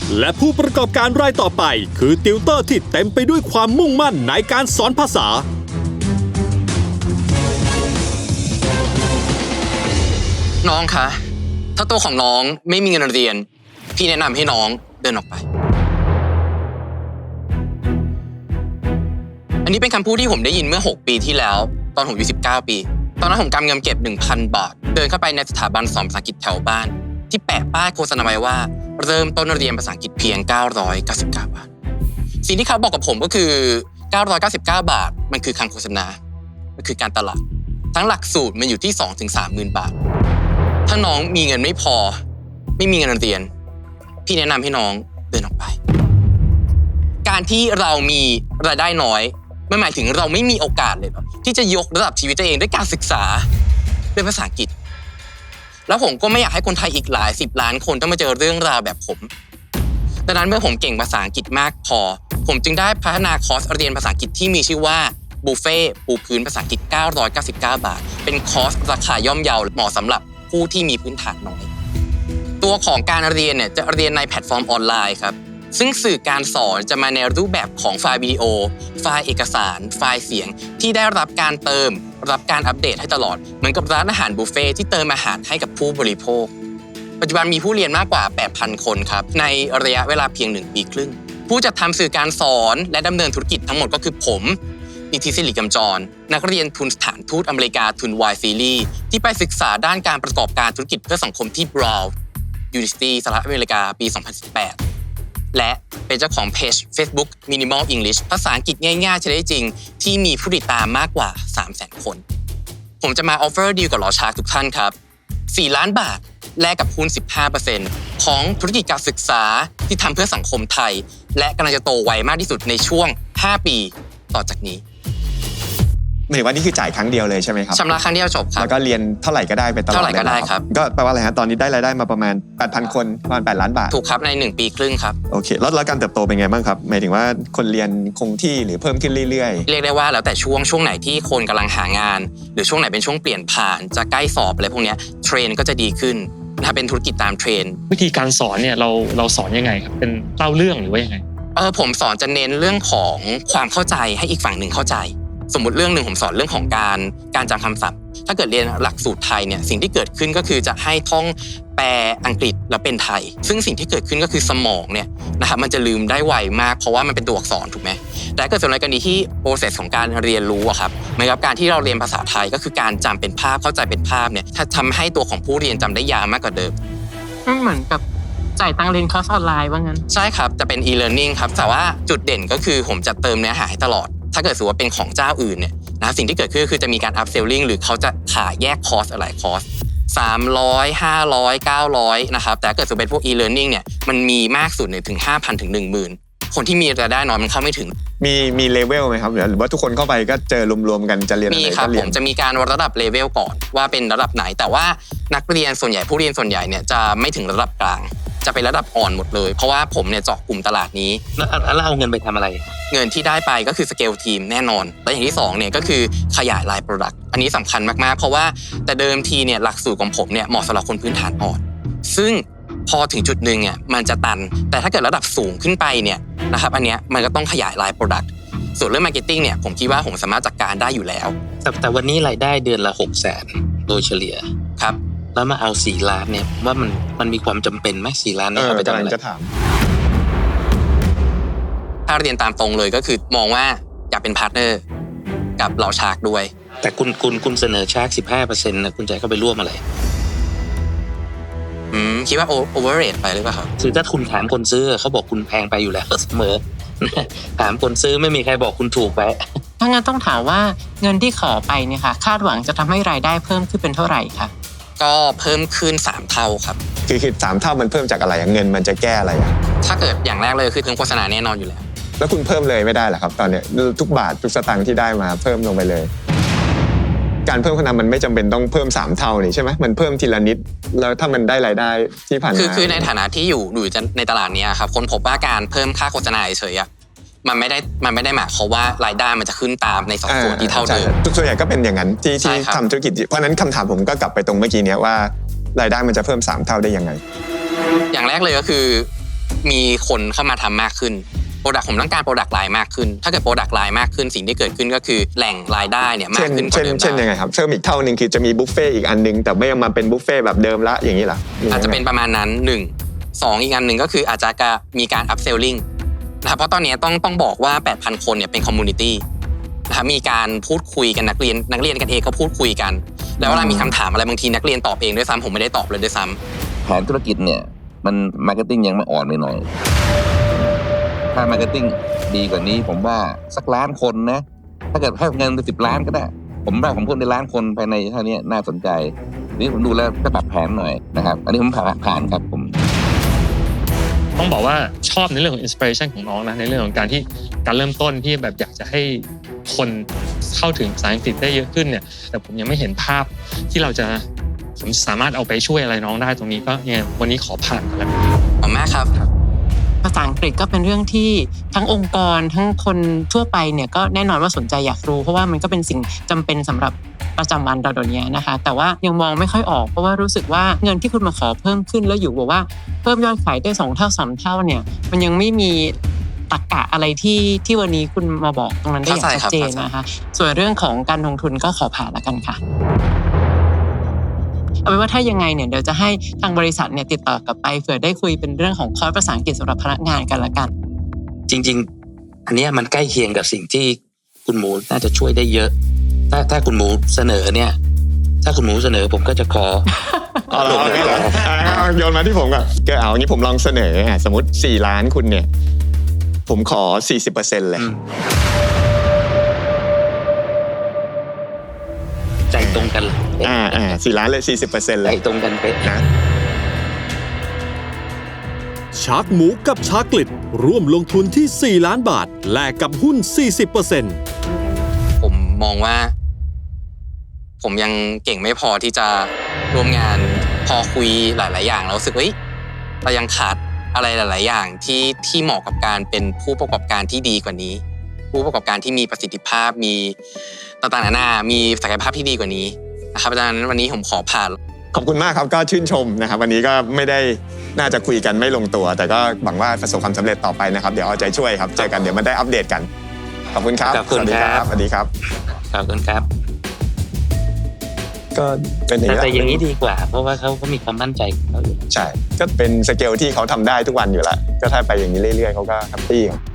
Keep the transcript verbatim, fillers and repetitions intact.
และผู้ประกอบการรายต่อไปคือติวเตอร์ที่เต็มไปด้วยความมุ่งมั่นในการสอนภาษาน้องคะถ้าตัวของน้องไม่มีเงินเรียนพี่แนะนำให้น้องเดินออกไปอันนี้เป็นคำพูดที่ผมได้ยินเมื่อหกปีที่แล้วตอนผมอายุสิบเก้าปีตอนนั้นผมกำเงินเก็บ หนึ่งพัน บาทเดินเข้าไปในสถาบันสอนภาษาอังกฤษแถวบ้านที่แปะป้ายโฆษณาไว้ว่าเริ่มต้นเรียนภาษาอังกฤษเพียงเก้าร้อยเก้าสิบเก้าบาทสิ่งที่เขาบอกกับผมก็คือเก้าร้อยเก้าสิบเก้าบาทมันคือคำโฆษณามันคือการตลาดทั้งหลักสูตรมันอยู่ที่ สองถึงสามหมื่น บาทถ้าน้องมีเงินไม่พอไม่มีเงินเรียนพี่แนะนำให้น้องเดินออกไปการที่เรามีรายได้น้อยไม่หมายถึงเราไม่มีโอกาสเลยหรอกที่จะยกระดับชีวิตตัวเองด้วยการศึกษาด้วยภาษาอังกฤษแล้วผมก็ไม่อยากให้คนไทยอีกหลายสิบล้านคนต้องมาเจอเรื่องราวแบบผมดังนั้นเมื่อผมเก่งภาษาอังกฤษมากพอผมจึงได้พัฒนาคอร์สเรียนภาษาอังกฤษที่มีชื่อว่าบุฟเฟ่ปูพื้นภาษาอังกฤษเก้าร้อยเก้าสิบเก้าบาทเป็นคอร์สราคาย่อมเยาเหมาะสำหรับผู้ที่มีพื้นฐานน้อยตัวของการเรียนเนี่ยจะเรียนในแพลตฟอร์มออนไลน์ครับซึ่งสื่อการสอนจะมาในรูปแบบของไฟล์วิดีโอไฟล์เอกสารไฟล์เสียงที่ได้รับการเติมรับการอัปเดตให้ตลอดเหมือนกับร้านอาหารบุฟเฟ่ที่เติมอาหารให้กับผู้บริโภคปัจจุบันมีผู้เรียนมากกว่า แปดพัน คนครับในระยะเวลาเพียงหนึ่งปีครึ่งผู้จัดทำสื่อการสอนและดำเนินธุรกิจทั้งหมดก็คือผมนิติศิริกำจรนักเรียนทุนสถานทูตอเมริกาทุน Y Series ที่ไปศึกษาด้านการประกอบการธุรกิจเพื่อสังคมที่ Brown University สหรัฐอเมริกาปี สองพันสิบแปดและเป็นเจ้าของเพจ Facebook Minimal English ภาษาอังกฤษง่ายๆใช้ได้จริงที่มีผู้ติดตามมากกว่า สามแสน คนผมจะมาออฟเฟอร์ดีลกับหลอชาร์กทุกท่านครับสี่ล้านบาทแลกกับหุ้น สิบห้าเปอร์เซ็นต์ ของธุรกิจการศึกษาที่ทำเพื่อสังคมไทยและกำลังจะโตไวมากที่สุดในช่วงห้าปีต่อจากนี้หมายถึงว่านี่คือจ่ายครั้งเดียวเลยใช่ไหมครับชำระครั้งเดียวจบครับแล้วก็เรียนเท่าไหร่ก็ได้ไปตลอดเท่าไหร่ก็ได้ครับก็แปลว่าอะไรฮะตอนนี้ได้รายได้มาประมาณ แปดพัน คนประมาณแปดล้านบาทถูกครับในหนึ่งปีครึ่งครับโอเคแล้วแล้วการเติบโตเป็นไงบ้างครับหมายถึงว่าคนเรียนคงที่หรือเพิ่มขึ้นเรื่อยๆเรียกได้ว่าแล้วแต่ช่วงช่วงไหนที่คนกำลังหางานหรือช่วงไหนเป็นช่วงเปลี่ยนผ่านจะใกล้สอบอะไรพวกนี้เทรนก็จะดีขึ้นถ้าเป็นธุรกิจตามเทรนวิธีการสอนเนี่ยเราเราสอนยังไงครับเป็นเล่าเรื่องหรือว่ายังไงเออผมสอนจะเน้นเรื่องของความเข้าใจให้อีกฝั่งหนึ่งเข้าใจสมมุติเรื่องหนึ่งผมสอนเรื่องของการการจำคำศัพท์ถ้าเกิดเรียนหลักสูตรไทยเนี่ยสิ่งที่เกิดขึ้นก็คือจะให้ท่องแปลอังกฤษแล้วเป็นไทยซึ่งสิ่งที่เกิดขึ้นก็คือสมองเนี่ยนะครับมันจะลืมได้ไวมากเพราะว่ามันเป็นตัวอักษรถูกไหมแต่เกิดส่วนในกรณีที่ process ของการเรียนรู้อะครับเหมือนกับการที่เราเรียนภาษาไทยก็คือการจำเป็นภาพเข้าใจเป็นภาพเนี่ยถ้าทำให้ตัวของผู้เรียนจำได้ยาวมากกว่าเดิมเหมือนกับจ่ายตังค์เรียนคอร์สออนไลน์ว่างั้นใช่ครับจะเป็น e-learning ครับแต่ว่าจุดเด่นก็คือผมจะเติมเนื้อหาให้ตลอดถ้าเกิดสมมติว่าเป็นของเจ้าอื่นเนี่ยนะสิ่งที่เกิดขึ้นคือจะมีการ upselling หรือเขาจะขายแยกคอร์สหลายคอร์สสามร้อย ห้าร้อย เก้าร้อยนะครับแต่ถ้าเกิดสมมติเป็นพวก e-learning เนี่ยมันมีมากสุดเนี่ยถึง ห้าพัน ถึง หนึ่งหมื่น คนที่มีรายได้น้อยมันเข้าไม่ถึงมีมีเลเวลไหมครับหรือว่าทุกคนเข้าไปก็เจอรวมๆกันจะเรียนอะไรก็เรียนมีครับผมจะมีการวัดระดับเลเวลก่อนว่าเป็นระดับไหนแต่ว่านักเรียนส่วนใหญ่ผู้เรียนส่วนใหญ่เนี่ยจะไม่ถึงระดับกลางจะเป็นระดับอ่อนหมดเลยเพราะว่าผมเนี่ยเจาะกลุ่มตลาดนี้แล้วเอาเงินไปทำอะไรเงินที่ได้ไปก็คือสเกลทีมแน่นอนและอย่างที่สองเนี่ยก็คือขยายไลน์โปรดักต์อันนี้สำคัญมากๆเพราะว่าแต่เดิมทีเนี่ยหลักสูตรของผมเนี่ยเหมาะสำหรับคนพื้นฐานอ่อนซึ่งพอถึงจุดนึงเนี่ยมันจะตันแต่ถ้าเกิดระดับสูงขึ้นไปเนี่ยนะครับอันเนี้ยมันก็ต้องขยายไลน์โปรดักต์ส่วนเรื่องมาร์เก็ตติ้งเนี่ยผมคิดว่าผมสามารถจัดการได้อยู่แล้วแต่แต่วันนี้รายได้เดือนละ หกแสน โดยเฉลี่ยครับแล้วมาเอาสี่ล้านเนี่ยว่ามันมันมีความจำเป็นไหมสี่ล้านนี่เอาไปทำอะไรจะถามถ้าเรียนตามตรงเลยก็คือมองว่าอยากเป็นพาร์ทเนอร์กับเหล่าชาร์กด้วยแต่คุณคุณคุณเสนอชาร์ก สิบห้าเปอร์เซ็นต์ นะคุณใจเข้าไปร่วมอะไรอืมคิดว่าโอเวอร์เรทไปหรือเปล่าครับคือถ้าคุณถามคนซื้อเขาบอกคุณแพงไปอยู่แล้วเสมอถามคนซื้อไม่มีใครบอกคุณถูกไปถ้างั้นต้องถามว่าเงินที่ขอไปเนี่ยค่ะคาดหวังจะทำให้รายได้เพิ่มขึ้นเป็นเท่าไหร่คะก็เพิ่มขึ้นสามเท่าครับคือคือสามเท่ามันเพิ่มจากอะไรเงินมันจะแก้อะไรอ่ะถ้าเกิดอย่างแรกเลยคือเพิ่มโฆษณาแน่นอนอยู่แล้วแล้วคุณเพิ่มเลยไม่ได้เหรอครับตอนเนี้ยทุกบาททุกสตางค์ที่ได้มาเพิ่มลงไปเลยการเพิ่มโฆษณามันไม่จำเป็นต้องเพิ่มสามเท่านี่ใช่ไหมมันเพิ่มทีละนิดแล้วถ้ามันได้รายได้ที่ผ่านมาคือคือในฐานะที่อยู่อยู่ในตลาดนี้ครับคนพบว่าการเพิ่มค่าโฆษณาเฉยๆมันไม่ได้มันไม่ได้หมายความว่ารายได้มันจะขึ้นตามในสองส่วนที่เท่าเดิมส่วนใหญ่ก็เป็นอย่างนั้นที่ที่ทำธุรกิจเพราะนั้นคำถามผมก็กลับไปตรงเมื่อกี้นี้ว่ารายได้มันจะเพิ่มสามเท่าได้ยังไงอย่างแรกเลยก็คือมีคนเข้ามาทำมากขึ้นโปรดักต์ผมต้องการโปรดักต์ไลน์มากขึ้นถ้าเกิดโปรดักต์ไลน์มากขึ้นสิ่งที่เกิดขึ้นก็คือแหล่งรายได้เนี่ยมาเช่กนขึ้นกว่าเช่นเดิมเช่นยังไงครับเพิ่มอีกเท่านึงคือจะมีบุฟเฟ่ต์อีกอันนึงแต่ไม่มาเป็นบุฟเฟ่ต์แบบเดิมละอย่างนี้เหรออาจจะเป็นประมาณนั้นหนึ่งสองอีกอันหนึ่งก็คืออาจจะมีการ upselling นะครับเพราะตอนนี้ต้องต้องบอกว่า แปดพัน คนเนี่ยเป็นคอมมูนิตี้นะครับมีการพูดคุยกันนักเรียนนักเรียนกันเองก็พูดคุยกันแล้วเวลามีคำถามอะไรบางทีนักเรียนตอบเองด้วยซ้ำผมไม่ได้ตอบเลยด้วยซ้ำแผนธุรกิจเนี่ยมันมาร์เก็ตติ้งยังไม่อ่อนไปหน่อยถ้ามาร์เก็ตติ้งดีกว่านี้ผมว่าสักล้านคนนะถ้าเกิดให้เงินไปสิบล้านก็ได้ผมว่าผมเพิ่มได้ล้านคนภายในเท่านี้น่าสนใจนี่ผมดูแล้วก็ปรับแผนหน่อยนะครับอันนี้ผมผ่านผ่านครับผมต้องบอกว่าชอบในเรื่องของอินสปิเรชันของน้องนะในเรื่องของการที่การเริ่มต้นที่แบบอยากจะให้คนเข้าถึงภาษาอังกฤษได้เยอะขึ้นเนี่ยแต่ผมยังไม่เห็นภาพที่เราจะผมสามารถเอาไปช่วยอะไรน้องได้ตรงนี้ก็เนี่ยวันนี้ขอผ่านแล้วขอบคุณมากครับภาษาอังกฤษก็เป็นเรื่องที่ทั้งองค์กรทั้งคนทั่วไปเนี่ยก็แน่นอนว่าสนใจอยากรู้เพราะว่ามันก็เป็นสิ่งจำเป็นสำหรับประจำวันเราเดี๋ยวนี้นะคะแต่ว่ายังมองไม่ค่อยออกเพราะว่ารู้สึกว่าเงินที่คุณมาขอเพิ่มขึ้นแล้วอยู่บอกว่าเพิ่มยอดขายได้สองเท่าสามเท่าเนี่ยมันยังไม่มีตรรกะอะไรที่ที่วันนี้คุณมาบอกตรงนั้นได้อย่างชัดเจนนะคะส่วนเรื่องของการลงทุนก็ขอผ่านแล้วกันค่ะเอาเป็นว่าถ้ายังไงเนี่ยเดี๋ยวจะให้ทางบริษัทเนี่ยติดต่อกลับไปเผื่อได้คุยเป็นเรื่องของคอร์สภาษาอังกฤษสำหรับพนักงานกันละกันจริงๆอันนี้มันใกล้เคียงกับสิ่งที่คุณหมูน่าจะช่วยได้เยอะถ้าถ้าคุณหมูเสนอเนี่ยถ้าคุณหมูเสนอผมก็จะขอเอาละไม่เหรอโยนมาที่ผมก่อนก็เอางี้ผมลองเสนอสมมติสี่ล้านคุณเนี่ยผมขอ สี่สิบเปอร์เซ็นต์ เลยใจตรงกันเลยอ่าอ่าสี่ล้านเลย สี่สิบเปอร์เซ็นต์ เลยใจตรงกันเป๊ะนะชาร์กหมูกับชาร์กลิดร่วมลงทุนที่สี่ล้านบาทแลกกับหุ้น สี่สิบเปอร์เซ็นต์ผมมองว่าผมยังเก่งไม่พอที่จะร่วมงานพอคุยหลายๆอย่างแล้วรู้สึกเฮ้ยเรายังขาดอะไรหลายๆอย่างที่ที่เหมาะกับการเป็นผู้ประกอบการที่ดีกว่านี้ผู้ประกอบการที่มีประสิทธิภาพมีต่างๆนานามีศักยภาพที่ดีกว่านี้นะครับดังนั้นวันนี้ผมขอผ่านขอบคุณมากครับก็ชื่นชมนะครับวันนี้ก็ไม่ได้น่าจะคุยกันไม่ลงตัวแต่ก็หวังว่าประสบความสำเร็จต่อไปนะครับเดี๋ยวเอาใจช่วยครับเจอกันเดี๋ยวมาได้อัปเดตกันขอบคุณครับสวัสดีครับสวัสดีครับขอบคุณครับก็เป็นอย่างนี้แต่อย่างนี้ดีกว่าเพราะว่าเขาเขามีความมั่นใจเขาอยู่ใช่ก็เป็นสเกลที่เขาทำได้ทุกวันอยู่แล้วก็ถ้าไปอย่างนี้เรื่อยๆเขาก็แฮปปี้ครับ